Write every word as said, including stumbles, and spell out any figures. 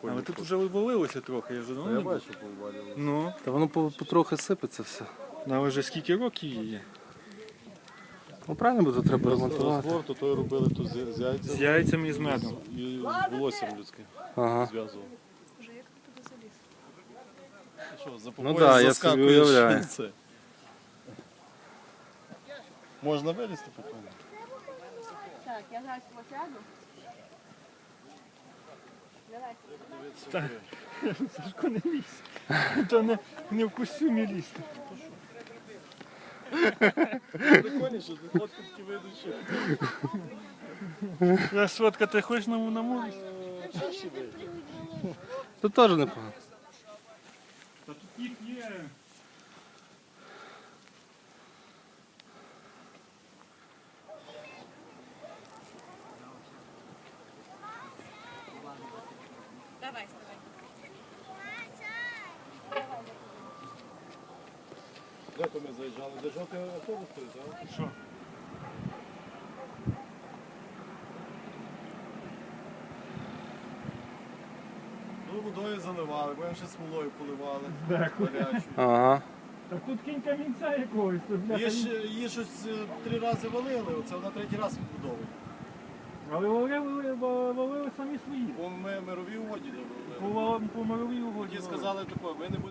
прикольно. Але тут вже вивалилося трохи, я вже давно Я не був. бачу, повалював. Ну, Та воно по- потрохи сипеться все. але вже скільки років її? Ну правильно, бо тут треба ремонтувати. Розтвор, то той робили тут з, з З яйцями яйцями і з медом. і з волоссям людським Ага. зв'язував. Боже, як ти туди заліз? Що, за Ну да, я собі уявляю. Це. Можна вилізти спокійно? Так, я зараз посяду. Давай. Сашко не лізь. То не, не в костюмі лізти. Прикольніше, тут фотки такі вийдуть, що Я сфотка, ти хочеш на, на морі? чаще вийде. Тут теж непогано. Та тут їх є. Давай, вставай. Де то ми заїжджали? Де жовтий автобус стоїть, так? Що? Ну, водою заливали, потім ще смолою поливали. Дякую. Гарячу. Ага. Та тут кінь камінця якогось. Тут, бляха, Її, ж- її щось е, три рази валили, оце вона третій раз відбудовує. Але валили, валили, валили самі свої. Бо ми мирові угоді не По, робили. по мировій угоді. Ті валили. сказали таке, ви не будете.